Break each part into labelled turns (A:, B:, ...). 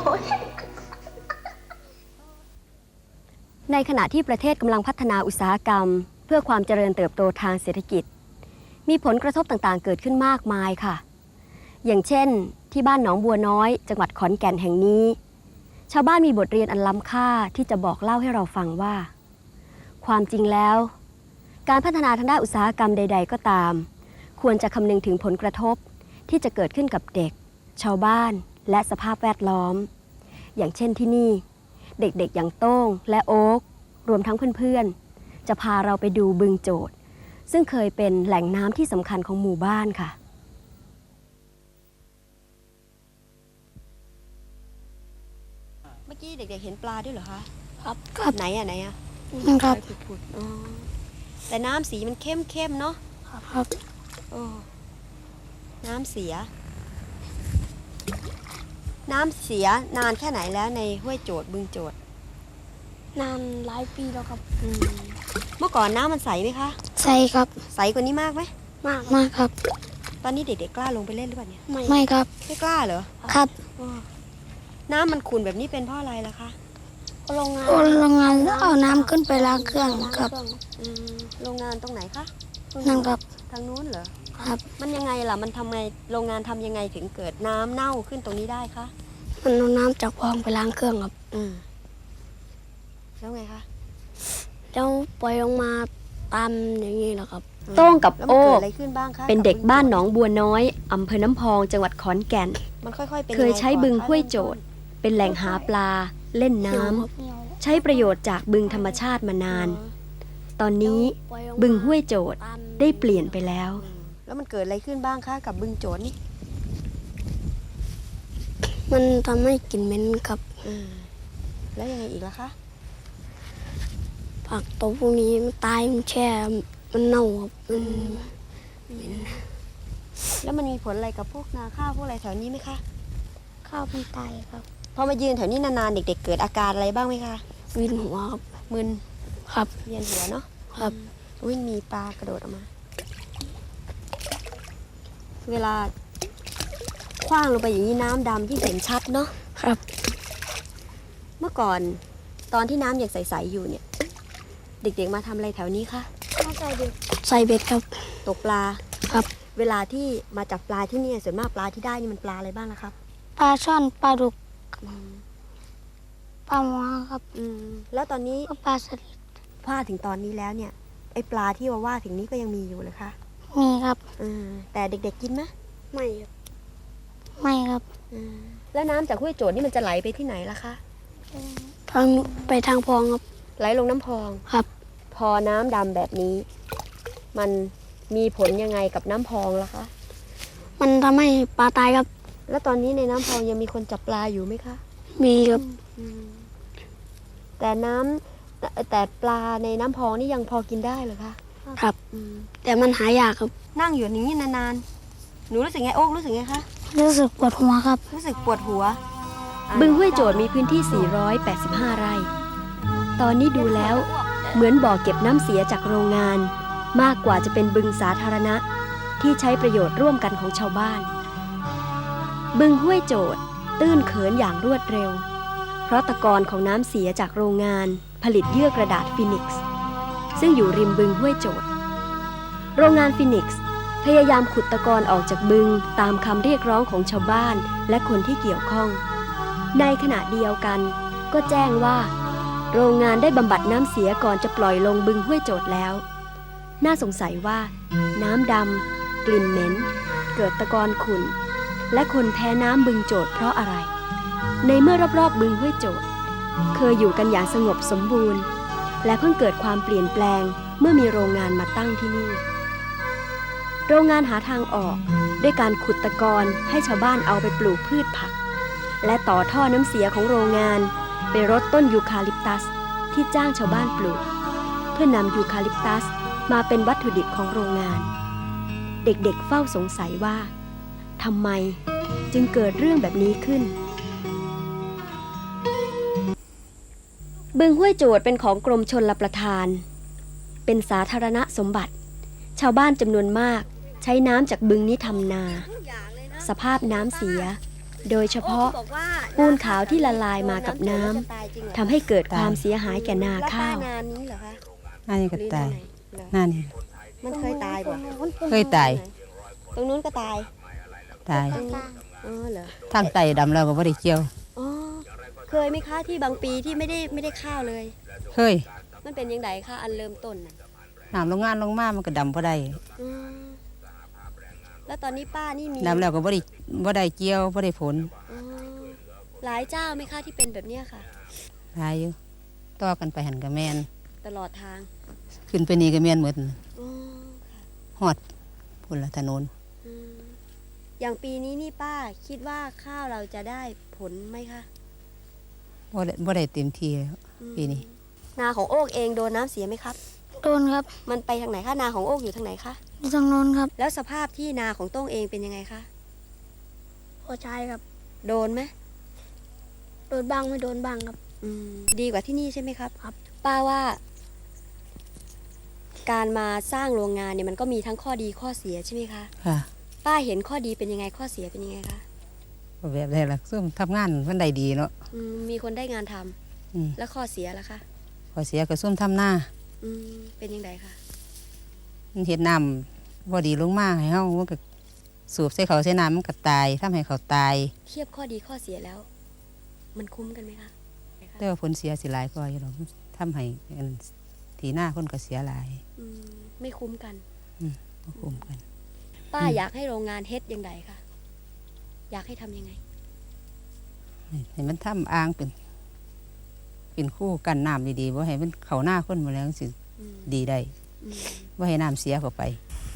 A: ในขณะที่ประเทศกำลังพัฒนาอุตสาหกรรมเพื่อความเจริญเติบโตทางเศรษฐกิจมีผลกระทบต่างๆเกิดขึ้นมากมายค่ะอย่างเช่นที่บ้านหนองบัวน้อยจังหวัดขอนแก่นแห่งนี้ชาวบ้านมีบทเรียนอันล้ำค่าที่จะบอกเล่าให้เราฟังว่าความจริงแล้วการพัฒนาทางด้านอุตสาหกรรมใดๆก็ตามควรจะคำนึงถึงผลกระทบที่จะเกิดขึ้นกับเด็กชาวบ้านและสภาพแวดล้อมอย่างเช่นที่นี่เด็กๆอย่างโต้งและโอ๊กรวมทั้งเพื่อนๆจะพาเราไปดูบึงโจทย์ซึ่งเคยเป็นแหล่งน้ำที่สำคัญของหมู่บ้านค่ะเมื่อกี้เด็กๆเห็นปลาด้วยเหรอคะ
B: ครับ
A: ไหนอะ
B: ครับ
A: แต่น้ำสีมันเข้มๆเนาะ
B: ครับ
A: น้ำเสียนานแค่ไหนแล้วในห้วยโจทย์บึงโจทย์
B: นานหลายปีแล้วครับ
A: เมื่อก่อนน้ำมันใสไหมคะ
B: ใสครับ
A: ใสกว่านี้มากไหม
B: มากครับ
A: ตอนนี้เด็กๆกล้าลงไปเล่นหรือเปล่าเนี่ย
B: ไม่ครับ
A: ไม่กล้าเหรอ
B: ครับ
A: น้ำมันขุ่นแบบนี้เป็นเพราะอะไรล่ะคะ
B: โรงงานเอาน้ำขึ้นไปล้างเครื่องครับ
A: โรงงานตรงไหนคะ
B: นั่นครับ
A: ทางนู้นเหรอ
B: ครับ
A: มันยังไงล่ะมันทำไงโรงงานทำยังไงถึงเกิดน้ำเน่าขึ้นตรงนี้ได้คะ
B: มันเอาน้ำจากคลองไปล้างเครื่องครับ
A: แล้วไงคะ
B: แล้วปล่อยลงมาตามอย่างนี้แหละครับ
A: โต้งกับโอ้เป็นเด็กบ้านหนองบัวน้อยอำเภอน้ำพองจังหวัดขอนแก่นเคยใช้บึงห้วยโจทย์เป็นแหล่งหาปลาเล่นน้ำใช้ประโยชน์จากบึงธรรมชาติมานานตอนนี้บึงห้วยโจทย์ได้เปลี่ยนไปแล้วมันเกิดอะไรขึ้นบ้างคะกับบึงโจทย์นี่
B: มันทำให้กลิ่นเหม็นครับ
A: แล้วยังไงอีกล่ะคะ
B: ผักตัวพวกนี้มันตายมันแช่มันเน่าครับ
A: แล้วมันมีผลอะไรกับพวกนาข้าวพวกอะไรแถวนี้ไหมคะ
B: ข้าวมันตายครับ
A: พอมายืนแถวนี้นานๆเด็กๆเกิดอาการอะไรบ้างไหมคะ
B: วินหัวครับ
A: มึน
B: ครับ
A: เวียนหัวเนาะ
B: ครับ
A: มีปลากระโดดออกมาเวลาคว้างลงไปอย่างนี้น้ำดำที่เห็นชัดเนาะ
B: ครับ
A: เมื่อก่อนตอนที่น้ำยังใสๆอยู่เนี่ยเด็กๆมาทำอะไรแถวนี้คะ
B: ใส่เบ็ดครับ
A: ตกปลา
B: ครับ
A: เวลาที่มาจับปลาที่นี่ส่วนมากปลาที่ได้นี่มันปลาอะไรบ้างล่ะครับ
B: ปลาช่อนปลาดุกปลาหมอครับ
A: แล้วตอนนี้
B: ปลาสลิด
A: ว่าถึงตอนนี้แล้วเนี่ยไอปลาที่ว่าถึงนี้ก็ยังมีอยู่เลยคะ
B: มีครับ
A: แต่เด็กๆกินไหม
B: ไม่ครับไม่ครับ
A: แล้วน้ำจากห้วยโจทย์นี่มันจะไหลไปที่ไหนล่ะคะ
B: ไปทางพองครับ
A: ไหลลงน้ำพอง
B: ครับ
A: พอน้ำดำแบบนี้มันมีผลยังไงกับน้ำพองล่ะคะ
B: มันทำให้ปลาตายครับ
A: แล้วตอนนี้ในน้ำพองยังมีคนจับปลาอยู่ไหมคะ
B: มีครับ
A: แต่ปลาในน้ำพองนี่ยังพอกินได้เหรอคะ
B: ครับแต่มันหายากครับ
A: นั่งอยู่อย่างนี้นานๆหนูรู้สึกไงโอ๊กรู้สึกไงคะ
B: รู้สึกปวดหัวครับ
A: รู้สึกปวดหัวบึงห้วยโจทย์มีพื้นที่485ไร่ตอนนี้ดูแล้วเหมือนบ่อเก็บน้ำเสียจากโรงงานมากกว่าจะเป็นบึงสาธารณะที่ใช้ประโยชน์ร่วมกันของชาวบ้านบึงห้วยโจทย์ตื้นเขินอย่างรวดเร็วเพราะตะกอนของน้ำเสียจากโรงงานผลิตเยื่อกระดาษฟินิกซ์ซึ่งอยู่ริมบึงห้วยโจทย์โรงงานฟินิกซ์พยายามขุดตะกอนออกจากบึงตามคำเรียกร้องของชาวบ้านและคนที่เกี่ยวข้องในขณะเดียวกันก็แจ้งว่าโรงงานได้บำบัดน้ำเสียก่อนจะปล่อยลงบึงห้วยโจทย์แล้วน่าสงสัยว่าน้ำดำกลิ่นเหม็นเกิดตะกอนขุ่นและคนแพ้น้ำบึงโจทย์เพราะอะไรในเมื่อรอบๆบึงห้วยโจทย์เคยอยู่กันอย่างสงบสมบูรณ์และเพิ่งเกิดความเปลี่ยนแปลงเมื่อมีโรงงานมาตั้งที่นี่โรงงานหาทางออกด้วยการขุดตะกอนให้ชาวบ้านเอาไปปลูกพืชผักและต่อท่อน้ำเสียของโรงงานไปรดต้นยูคาลิปตัสที่จ้างชาวบ้านปลูกเพื่อนำยูคาลิปตัสมาเป็นวัตถุดิบของโรงงานเด็กๆเฝ้าสงสัยว่าทำไมจึงเกิดเรื่องแบบนี้ขึ้นบึงห้วยโจทย์เป็นของกรมชลประทานเป็นสาธารณสมบัติชาวบ้านจำนวนมากใช้น้ำจากบึงนี้ทำนาสภาพน้ำเสียโดยเฉพาะปูนขาวที่ละลายมากับน้ำทำให้เกิดความเสียหายแก่นาข้าว
B: นานนี้เหรอคะ
C: หน้านี่ก็ตายหน้านี่
B: มันเคยตายบ่
C: เคยตาย
B: ตรงนู้นก็ตาย
C: ตาย
B: อ๋อเหรอ
C: ทางไตดำแล้วก็บ่ได้เกี่ยว
B: อ๋อเคยไหมคะที่บางปีที่ไม่ได้ข้าวเลย
C: เคย
B: มันเป็นยังไงคะอันเริ่มต้นน่ะ
C: น้ำลงงานลงมามันก็ดำบ่ได้
B: อืมแล้วตอนนี้ป้านี่มี
C: ดำแล้วก็บ่ได้เกี่ยวบ่ได้ผล
B: อ๋อหลายเจ้าไหมคะที่เป็นแบบเนี้ยค่ะ
C: หลายอยู่ต่อกันไปหันก็แม่น
B: ตลอดทาง
C: ขึ้นไปนี่ก็แม่นหมด
B: อ๋อค่ะ
C: ฮอดพุ่นละถนน
B: อืมอย่างปีนี้นี่ป้าคิดว่าข้าวเราจะได้ผลไหมคะ
C: บ่ได้เต็มที่แล้ว
B: อืม
C: ปีนี้
B: นาของโอ๊กเองโดนน้ำเสียไหมครับ
D: โดนครับ
B: มันไปทางไหนคะนาของโอ๊กอยู่ทางไหนคะ
D: อยู่ทางโน้นครับ
B: แล้วสภาพที่นาของโต้งเองเป็นยังไงคะ
D: พอใช้ครับ
B: โดนไหม
D: โดนบ้างไม่โดนบ้างครับ
B: อืมดีกว่าที่นี่ใช่ไหมครับ
D: ครับ
B: ป้าว่า การมาสร้างโรงงานเนี่ยมันก็มีทั้งข้อดีข้อเสียใช่ไหมคะ
C: ค่ะ
B: ป้าเห็นข้อดีเป็นยังไงข้อเสียเป็นยังไงคะ
C: ก็แบบได้ละซุ่มทำงานมันได้ดีเนาะ
B: มีคนได้งานทำ
C: อืม
B: แล้วข้อเสียล่ะคะ
C: พอเสียก็ซุ่มทำหน้า
B: เป็นยังไงคะ
C: มันเฮ็ดน้ำบ่ดีลงมาให้เฮามันก็สูบใส่เขาใส่น้ำมันก็ตายทำให้เขาตาย
B: เทียบข้อดีข้อเสียแล้ว มันคุ้มกันไหมคะ
C: แต่ว่าผลเสียสิหลายกว่าอยู่หรอกทำให้อันที่หน้าคนก็เสียหลาย
B: ไม่คุ้มกัน
C: บ่คุ้มกัน
B: ป้าอยากให้โรงงานเฮ็ดยังไงคะอยากให้ทำยังไง
C: ให้มันทำอ่างเป็นคู่กันน้ำดีๆว่าให้มันเข้าหน้าคนมาแล้วสิ
B: อืม
C: ดีได้
B: อืม
C: ว่าให้น้ำเสียเข้าไป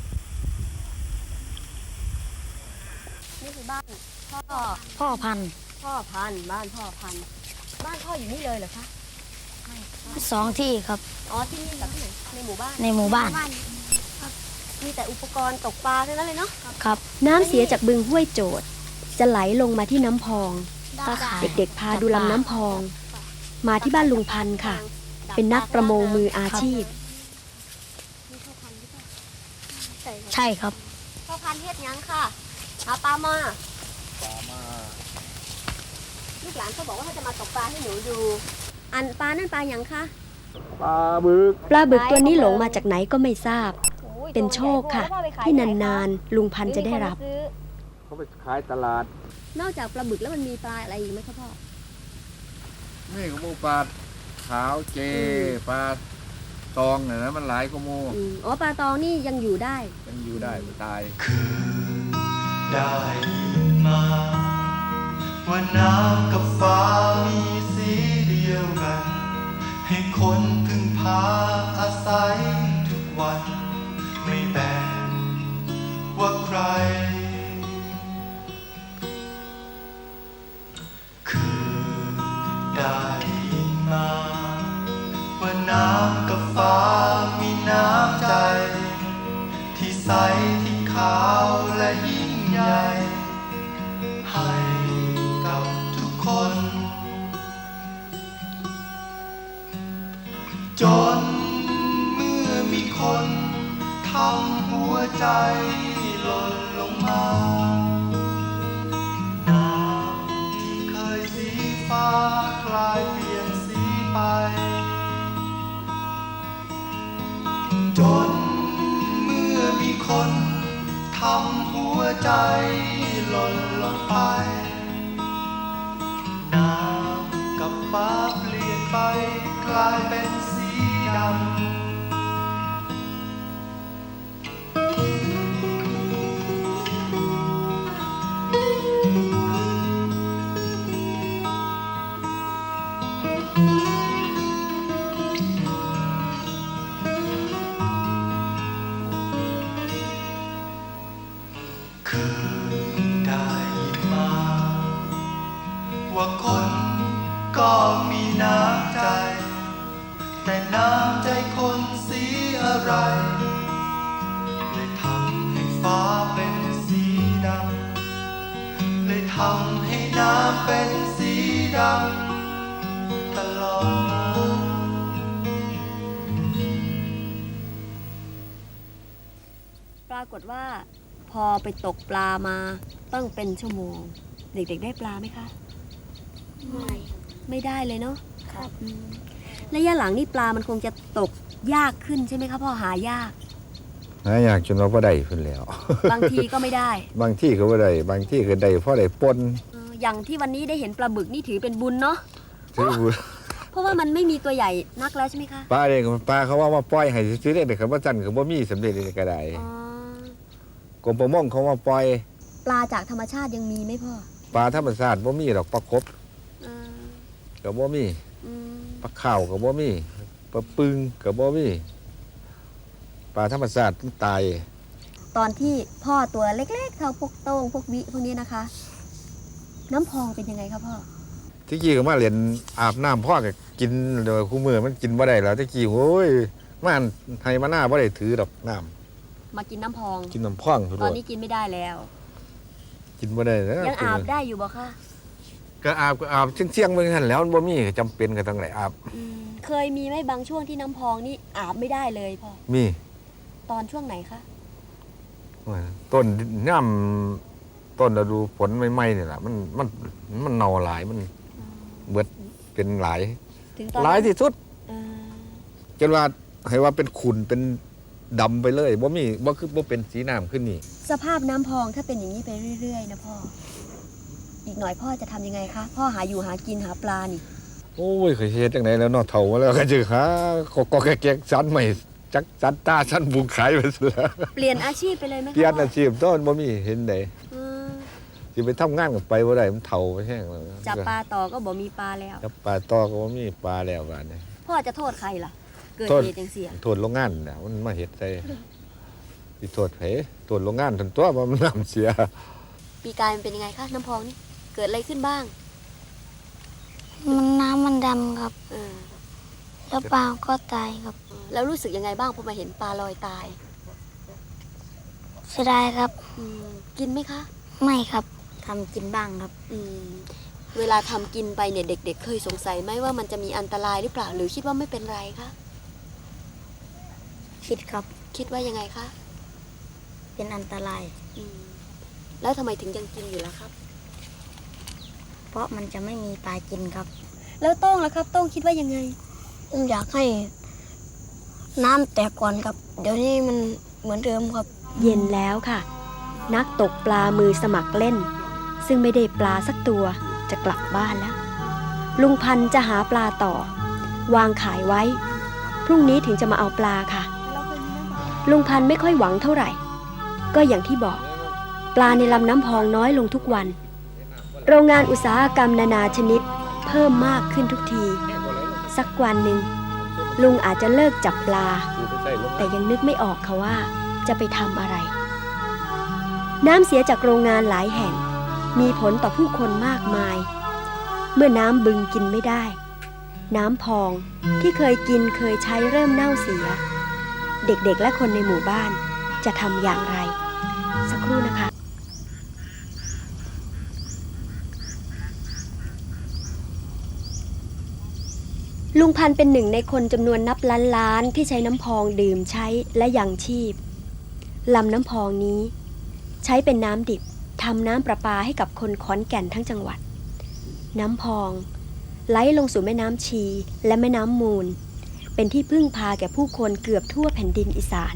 B: นี่คือบ้านพ่อ
D: พ่อพันธุ์
B: พ่อพันธุ์บ้านพ่อพันธุ์บ้านพ่ออยู่นี่เลยเหรอคะ
D: สองที่ครับ
B: อ๋อที่นี่กับที่ไหนในหมู่บ้าน
D: ในหมู่บ้าน
B: มีแต่อุปกรณ์ตกปลาเท่านั้นเลยเนาะ
D: ครับ
A: น้ำเสียจากบึงห้วยโจดจะไหลลงมาที่น้ำพอง
D: ตาข่าย
A: เด็กๆพาดูลำน้ำพอง มาที่บ้านลุงพันธ์ค่ะ เป็นนักประมงมืออาชีพ
D: ใช่ครับ
B: พ่อพันธุ์เฮ็ดหยังค่ะหาปลามาลูกหลานเขาบอกว่าเขาจะมาตกปลาให้หนูดู อันปลานั่นปลาหยังคะ
E: ปลาบึก
A: ปลาบึกตัวนี้หลงมาจากไหนก็ไม่ทราบ เป็นโชคค่ะ ที่นานๆลุงพันธ์จะได้รับ
E: เขาไปขายตลาด
B: นอกจากปลาบึกแล้วมันมีปลาอะไรอีกไหมคะพ่อ
E: นี่ก็หมูปลาขาวเจ ปลาตองเนี่ยนะมันหลายก็มู
B: อ๋อปลาตองนี่ยังอยู่ได้
E: ยังอยู่ได้ไม่ตาย
F: ได้ยินมาว่าน้ำกับฟ้ามีสีเดียวกัน ให้คนพึ่งพาอาศัยทุกวัน ไม่แบ่งว่าใคร คือได้ยินมาว่าน้ำกับฟ้ามีน้ำใจ ที่ใสที่ขาวและยิ่งใหญ่ ให้กับทุกคน จนเมื่อมีคนทำหัวใจหล่นลงมา น้ำที่เคยสีฟ้ากลายเปลี่ยนสีไป จนเมื่อมีคนทำหัวใจหล่นลงไป น้ำกับฟ้าเปลี่ยนไปกลายเป็นสีดำ คือได้ยินมาว่าคนก็มีน้ำใจ แต่น้ำใจคนสีอะไรเลยทำให้ฟ้าเป็นสีดำเลยทำให้น้ำเป็นสีดำตลอดมา
B: ปรากฏว่า พอไปตกปลามาตั้งเป็นชั่วโมงเด็กๆได้ปลาไหมคะ
D: ไม่
B: ไม่ได้เลยเนาะ
D: ครับ
B: ระยะหลังนี่ปลามันคงจะตกยากขึ้นใช่ไหมคะพ่อหายาก
E: หาอยากจนเราบ่ได้ขึ้นแล้ว
B: บางทีก็ไม่ได้
E: บางที่ก็บ่ได้บางที่ก็ได้เพราะได้ปน
B: อย่างที่วันนี้ได้เห็นปลาบึกนี่ถือเป็นบุญเนาะ
E: ถือบุญ
B: เพราะว่ามันไม่มีตัวใหญ่นักแล้วใช่ไหมคะ
E: ปลาเองปลาเขาว่ามาปล่อยให้ซื้อได้แต่เขาบ่จันก็บ่มีสำเร็จเลยก็ได้
B: อ๋อก
E: รมประมงเขามาปล่อย
B: ปลาจากธรรมชาติยังมีไหมพ่อ
E: ปลาธรรมชาติบ่มีดอกปลากบ
B: อ่า
E: ก็บ่มี
B: อืม
E: ปลาข้าวก็บ่มีปลาปึงก็บ่มีปลาธรรมชาติมันตาย
B: ตอนที่พ่อตัวเล็กๆเท่าพวกโต้งพวกวิพวกนี้นะคะ น้ำพองเป็นยังไงคะพ่อ
E: ที่กี้ก็มาเรียนอาบน้ำพ่อก็กินเดี๋ยวคู่มือมันกินบ่ได้แล้วที่กี้โอ้ยมันให้มาหน้าบ่ได้ถือดอกน้ำ
B: มากินน้ำพอง
E: กินน้ำพ่อง
B: ตอนนี้กินไม่ได้แล้ว
E: กินบ่ได้แล้ว
B: ยังอาบได้อยู่บ่คะ
E: ก็อาบเที่ยงๆมื้อหั่นแล้วมันบ่มีก็จำเป็นก็ต้องได้อาบ
B: เคยมีไหมบางช่วงที่น้ำพองนี่อาบไม่ได้เลยพ่อ
E: มี
B: ตอนช่วงไหนคะ
E: ต้นย่ำต้นฤดูฝนใหม่ๆนี่แหละมันเน่าหลายมันเบิดเป็นหลาย
B: ถึงตอน
E: หลายที่สุด
B: เออ
E: จนว่าให้ว่าเป็นขุ่นเป็นดำไปเลยบ่มีบ่คือบ่เป็นสีน้ำขึ้นนี่
B: สภาพน้ำพองถ้าเป็นอย่างนี้ไปเรื่อยๆนะพ่อ อีกหน่อยพ่อจะทำยังไงคะ พ่อหาอยู่หากินหาปลานี่
E: โอ้ยเคยเฮ็ดจังไดแล้วเนาะเฒ่ามาแล้วก็จะหาก็แก๊กๆสันใหม่จักสันตาสันบุงขายไปซะแล้ว
B: เปลี่ยนอาชีพไปเลยไหมคะ
E: เปลี่ยน
B: พ่
E: อาชีพต้นบ่มีเห็นได้
B: เออ
E: สิไปทำงานก็ไปบ่ได้มันเฒ่าไปแห้งแล้ว
B: จับปลาต่อก็บอกมีปลาแล้ว
E: จับปลาต่อก็บ่มีปลาแล้วบาดนี้
B: พ่อจะโทษใครล่ะ เกิด
E: โทษ
B: เหตุอย่างเสีย
E: โทษโรงงานน่ะมันมาเฮ็ดใส่สิโทษไผโทษโรงงานทันตัวว่ามันน้ำเสีย
B: ปีกายมันเป็นยังไงคะน้ำพองนี่ เกิดอะไรขึ้นบ้าง
D: น้ำมันดำครับ
B: เออ
D: แล้วปลาก็ตายครับ
B: แล้วรู้สึกยังไงบ้างพอมาเห็นปลาลอยตาย
D: เสียดายครับ
B: กินไหมคะ
D: ไม่ครับทำกินบ้างครับ
B: เวลาทำกินไปเนี่ยเด็ก ๆ เคยสงสัยไหมว่ามันจะมีอันตรายหรือเปล่า หรือคิดว่าไม่เป็นไรคะ
D: คิดครับ
B: คิดว่ายังไงคะ
D: เป็นอันตราย
B: แล้วทำไมถึงยังกินอยู่ล่ะครับ
D: เพราะมันจะไม่มีปลากินครับ
B: แล้วโต้งล่ะครับโต้งคิดว่ายังไง
D: ผมอยากให้น้ำแตกก่อนครับ เดี๋ยวนี้มันเหมือนเดิมครับ
A: เย็นแล้วค่ะ นักตกปลามือสมัครเล่น ซึ่งไม่ได้ปลาสักตัวจะกลับบ้านแล้ว ลุงพันธุ์จะหาปลาต่อ วางขายไว้ พรุ่งนี้ถึงจะมาเอาปลาค่ะ ลุงพันธุ์ไม่ค่อยหวังเท่าไหร่ ก็อย่างที่บอก ปลาในลำน้ำพองน้อยลงทุกวัน โรงงานอุตสาหกรรมนานาชนิดเพิ่มมากขึ้นทุกที สักวันหนึ่งลุงอาจจะเลิกจับปลา แต่ยังนึกไม่ออกค่ะว่าจะไปทำอะไร น้ำเสียจากโรงงานหลายแห่ง มีผลต่อผู้คนมากมาย เมื่อน้ำบึงกินไม่ได้ น้ำพองที่เคยกินเคยใช้เริ่มเน่าเสีย เด็กๆและคนในหมู่บ้านจะทำอย่างไร สักครู่นะคะ ลุงพันธุ์เป็นหนึ่งในคนจำนวนนับล้านๆที่ใช้น้ำพองดื่มใช้และยังชีพลำน้ำพองนี้ ใช้เป็นน้ำดิบทำน้ำประปาให้กับคนขอนแก่นทั้งจังหวัด น้ำพองไหลลงสู่แม่น้ำชีและแม่น้ำมูล เป็นที่พึ่งพาแก่ผู้คนเกือบทั่วแผ่นดินอีสาน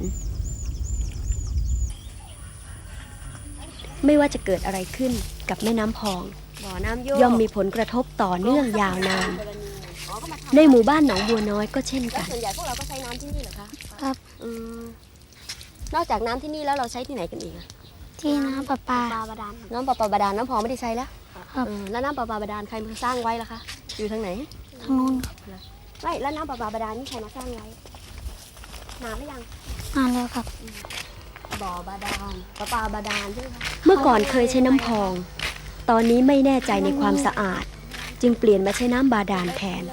A: ไม่ว่าจะเกิดอะไรขึ้นกับแม่น้ำพอง
B: บ่อน้ำโย
A: ย่อมมีผลกระทบต่อเนื่องยาวนาน ในหมู่บ้านหนองบัวน้อยก็เช่น
B: แล้ว
A: กัน
B: ส่วนใหญ่พวกเราก็ใช้น้ำที่นี่เหรอคะ
D: ครับ
B: นอกจากน้ำที่นี่แล้วเราใช้ที่ไหนกันอีกอะ
D: ที่น้ำประปา
B: น้ำประปาบาดาลน้ำพองไม่ได้ใช้แล้ว
D: ครับ
B: แล้วน้ำประปาบาดาลใครมาสร้างไว้ล่ะคะ อยู่ทางไหน
D: ทางนู้นครับ
B: ไม่แล้วน้ำประปาบาดาลนี่ใครมาสร้างไว้นานหรือยัง
D: นานแล้วครับ
B: บ่อบาดาลประปาบาดาลใช่ไหมคะ
A: เมื่อก่อนเคยใช้น้ำพอง ตอนนี้ไม่แน่ใจในความสะอาด จึงเปลี่ยนมาใช้น้ำบาดาลแทน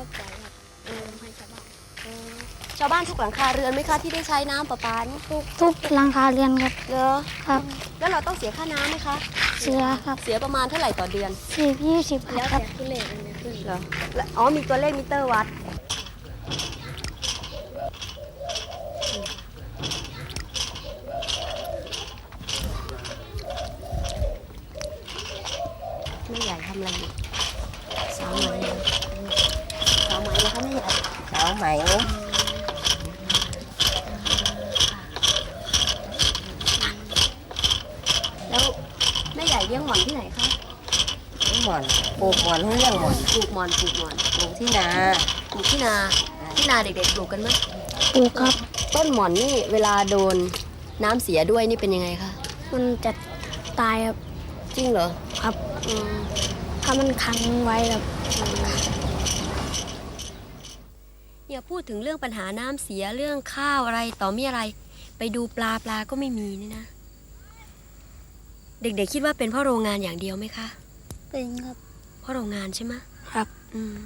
B: ชาวบ้านทุกหลังคาเรือนไหมคะที่ได้ใช้น้ำประปานี่
D: ทุกหลังคาเรือนครับ
B: เหรอ
D: ครับ
B: แล้วเราต้องเสียค่าน้ำไหมคะ
D: เสือครับ
B: เสียประมาณเท่าไหร่ต่อเดือน
D: 10-20ครับ
B: เหรออ๋อมีตัวเลขมิเตอร์วัดนั่นแหละ
G: ไหม
B: แล้วแม่ใหญ่เลี้ยงหม่อนที่ไหนคะ
G: หมอนปลูกหมอนให้เรื่องหมอน
B: ปลูกหม่อนปลูกหม่อน
G: ปลูกที่นา
B: ปลูกที่นาเด็กๆปลูกกันไหม
D: ปลูกครับ
B: ต้นหม่อนนี่เวลาโดนน้ำเสียด้วยนี่เป็นยังไงคะ
D: มันจะตายครับ
B: จริงเหรอ
D: ครับ
B: อืม
D: ถ้ามันขังไว้ครับ
B: อย่าพูดถึงเรื่องปัญหาน้ำเสียเรื่องข้าวอะไรต่อมีอะไร ไปดูปลาก็ไม่มีนี่นะ เด็กๆคิดว่าเป็นเพราะโรงงานอย่างเดียวไหมคะ
D: เป็นครับ
B: เพราะโรงงานใช่ไหม
D: ครับ
B: อืม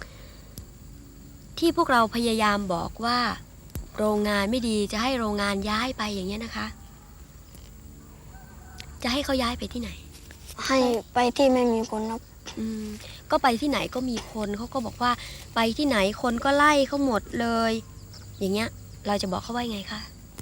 B: ที่พวกเราพยายามบอกว่า โรงงานไม่ดีจะให้โรงงานย้ายไปอย่างเงี้ยนะคะ จะให้เขาย้ายไปที่ไหน
D: ให้ไปที่ไม่มีคนครับ
B: อืมก็ไปที่ไหนก็มีคนเขาก็บอกว่า ไปที่ไหนคนก็ไล่เขาหมดเลย อย่างเงี้ย เราจะบอกเขาว่าไงคะ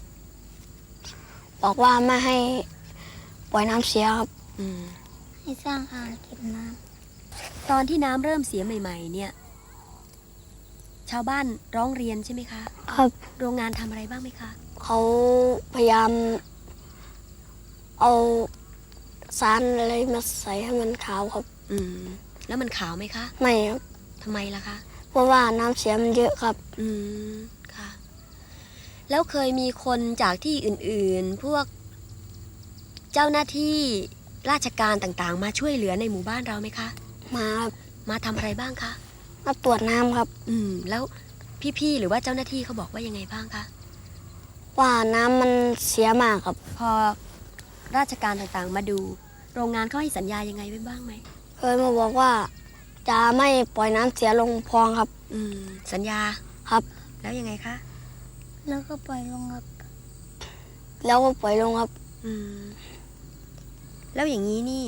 D: บอกว่าไม่ให้ปล่อยน้ำเสียครับ
B: อืม
D: ให้สร้างอ่างเก็บน้
B: ตอนที่น้ำเริ่มเสียใหม่ ๆ เนี่ย ชาวบ้านร้องเรียนใช่ไหมคะ
D: ำครับ
B: โรงงานทำอะไรบ้างไหมคะ
D: เขาพยายาม เอาสารอะไรมาใส่ให้มันขาวครับ
B: อืม แล้วมันขาวไหมคะ
D: ไม่ครับ
B: ทำไมล่ะคะ
D: เพราะว่าน้ำเสียมันเยอะครับ
B: อืม ค่ะ แล้วเคยมีคนจากที่อื่นๆ พวกเจ้าหน้าที่ราชการต่างๆ มาช่วยเหลือในหมู่บ้านเราไหมคะ
D: มาครับ
B: มาทำอะไรบ้างคะ
D: มาตรวจน้ำครับ
B: อืม แล้วพี่ๆ หรือว่าเจ้าหน้าที่เขาบอกว่ายังไงบ้างคะ
D: ว่าน้ำมันเสียมากครับ
B: พอราชการต่างๆ มาดู โรงงานเขาให้สัญญายังไงไว้บ้างไหม
D: เคยมาบอกว่าจะไม่ปล่อยน้ำเสียลงคลองครับ
B: อืม สัญญา
D: ครับ
B: แล้วยังไงคะ
D: แล้วก็ปล่อยลงครับ แล้วก็ปล่อยลงครับ
B: อืม แล้วอย่างนี้นี่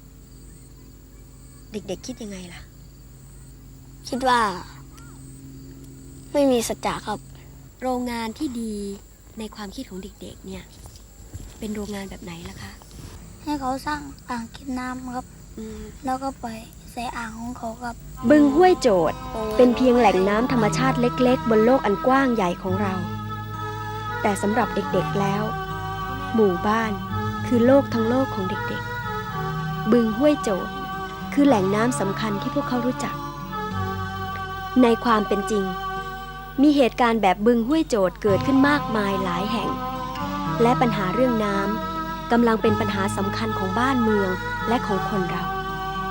B: เด็กๆ คิดยังไงล่ะ
D: คิดว่า ไม่มีสัจจะครับ
B: โรงงานที่ดีในความคิดของเด็กๆ เนี่ย เป็นโรงงานแบบไหนล่ะคะ
D: ให้เขาสร้างอ่างเก็บน้ำครับ
B: อืม
D: แล้วก็ปล่อยใส่อ่างของเขาครับ
A: บึงห้วยโจทย์เป็นเพียงแหล่งน้ำธรรมชาติเล็กๆ บนโลกอันกว้างใหญ่ของเรา แต่สำหรับเด็กๆแล้ว หมู่บ้านคือโลกทั้งโลกของเด็กๆ บึงห้วยโจทย์คือแหล่งน้ำสำคัญที่พวกเขารู้จัก ในความเป็นจริง มีเหตุการณ์แบบบึงห้วยโจทย์เกิดขึ้นมากมายหลายแห่ง และปัญหาเรื่องน้ำกำลังเป็นปัญหาสำคัญของบ้านเมืองและของคนเรา